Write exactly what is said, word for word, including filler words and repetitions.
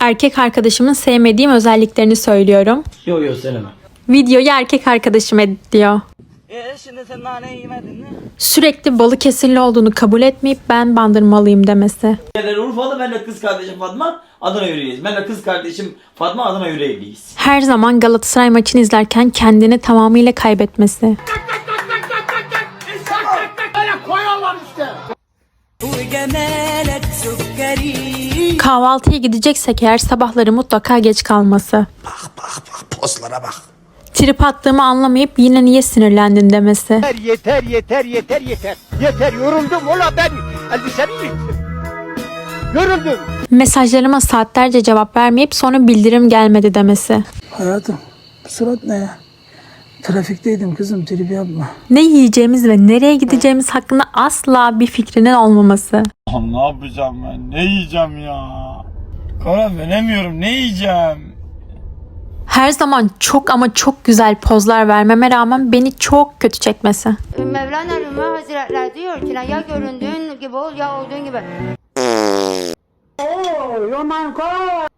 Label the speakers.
Speaker 1: erkek arkadaşımın sevmediğim özelliklerini söylüyorum.
Speaker 2: Yo yo söyleme.
Speaker 1: Videoyu erkek arkadaşım editliyor.
Speaker 2: Eee şimdi sen naneyi yemedin mi?
Speaker 1: Sürekli Balıkesirli olduğunu kabul etmeyip ben Bandırmalıyım demesi.
Speaker 2: Urfalı, ben de kız kardeşim Fatma Adana yüreğiyiz. Ben de kız kardeşim Fatma Adana yüreğiyiz.
Speaker 1: Her zaman Galatasaray maçını izlerken kendini tamamıyla kaybetmesi. Kahvaltıya gideceksek eğer sabahları mutlaka geç kalması.
Speaker 3: Bak bak bak pozlara bak.
Speaker 1: Trip attığımı anlamayıp yine niye sinirlendin demesi.
Speaker 4: Yeter yeter yeter yeter yeter. Yeter yoruldum ola ben elbisemi yırttım. Yoruldum.
Speaker 1: Mesajlarıma saatlerce cevap vermeyip sonra bildirim gelmedi demesi.
Speaker 5: Hayatım, bu surat ne ya? Trafikteydim kızım, trip yapma.
Speaker 1: Ne yiyeceğimiz ve nereye gideceğimiz hakkında asla bir fikrinin olmaması.
Speaker 6: Ne yapacağım ben? Ne yiyeceğim ya? Karar veremiyorum. Ne yiyeceğim?
Speaker 1: Her zaman çok ama çok güzel pozlar vermeme rağmen beni çok kötü çekmesi.
Speaker 7: Mevlana Rumi Hazretleri diyor ki ya göründüğün gibi ol ya olduğun gibi.